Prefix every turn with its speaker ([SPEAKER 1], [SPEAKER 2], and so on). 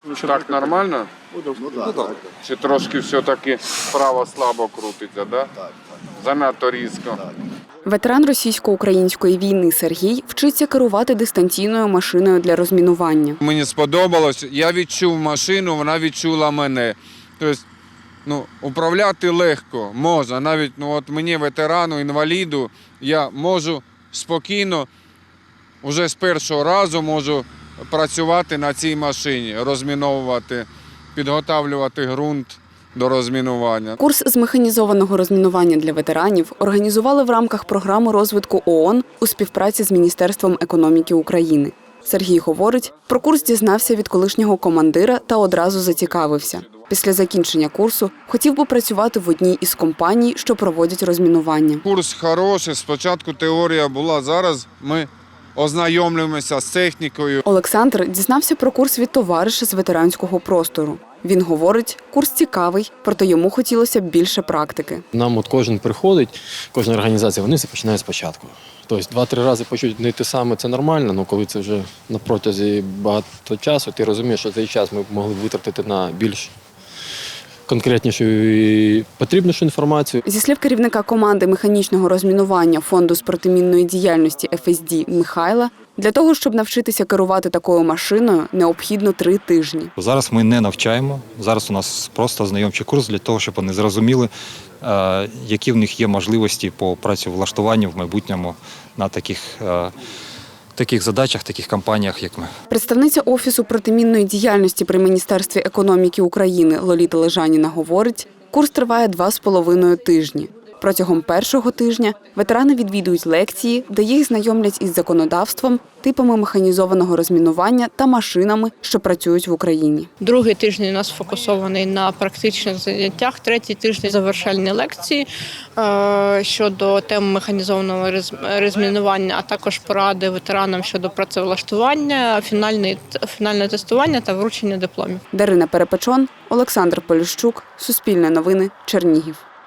[SPEAKER 1] Так нормально?
[SPEAKER 2] Ну так.
[SPEAKER 1] Чи трошки все-таки справа слабо крутиться, да?
[SPEAKER 2] Так.
[SPEAKER 1] Занадто різко.
[SPEAKER 3] Ветеран російсько-української війни Сергій вчиться керувати дистанційною машиною для розмінування.
[SPEAKER 1] Мені сподобалось, я відчув машину, вона відчула мене. Тобто, управляти легко, можна. Навіть от мені, ветерану, інваліду, я можу спокійно, вже з першого разу можу працювати на цій машині, розміновувати, підготовлювати ґрунт до розмінування.
[SPEAKER 3] Курс з механізованого розмінування для ветеранів організували в рамках програми розвитку ООН у співпраці з Міністерством економіки України. Сергій говорить, про курс дізнався від колишнього командира та одразу зацікавився. Після закінчення курсу хотів би працювати в одній із компаній, що проводять розмінування.
[SPEAKER 1] Курс хороший, спочатку теорія була, зараз ми ознайомлюємося з технікою.
[SPEAKER 3] Олександр дізнався про курс від товариша з ветеранського простору. Він говорить, курс цікавий, проте йому хотілося б більше практики.
[SPEAKER 4] Нам от кожен приходить, кожна організація, вони все починають спочатку. Тобто 2-3 рази почути не те саме, це нормально, але коли це вже на протязі багато часу, ти розумієш, що цей час ми могли б витратити на більш конкретнішу і потрібнішу інформацію.
[SPEAKER 3] Зі слів керівника команди механічного розмінування Фонду з протимінної діяльності ФСД Михайла, для того, щоб навчитися керувати такою машиною, необхідно 3 тижні.
[SPEAKER 5] Зараз ми не навчаємо, зараз у нас просто ознайомчий курс для того, щоб вони зрозуміли, які в них є можливості по працевлаштуванню в майбутньому на таких задачах, таких компаніях, як ми.
[SPEAKER 3] Представниця Офісу протимінної діяльності при Міністерстві економіки України Лоліта Лежаніна говорить, курс триває 2,5 тижні. Протягом першого тижня ветерани відвідують лекції, де їх знайомлять із законодавством, типами механізованого розмінування та машинами, що працюють в Україні.
[SPEAKER 6] Другий тиждень у нас сфокусований на практичних заняттях, третій тиждень – завершальні лекції щодо тем механізованого розмінування, а також поради ветеранам щодо працевлаштування, фінальне тестування та вручення дипломів.
[SPEAKER 3] Дарина Перепечон, Олександр Поліщук, Суспільне новини, Чернігів.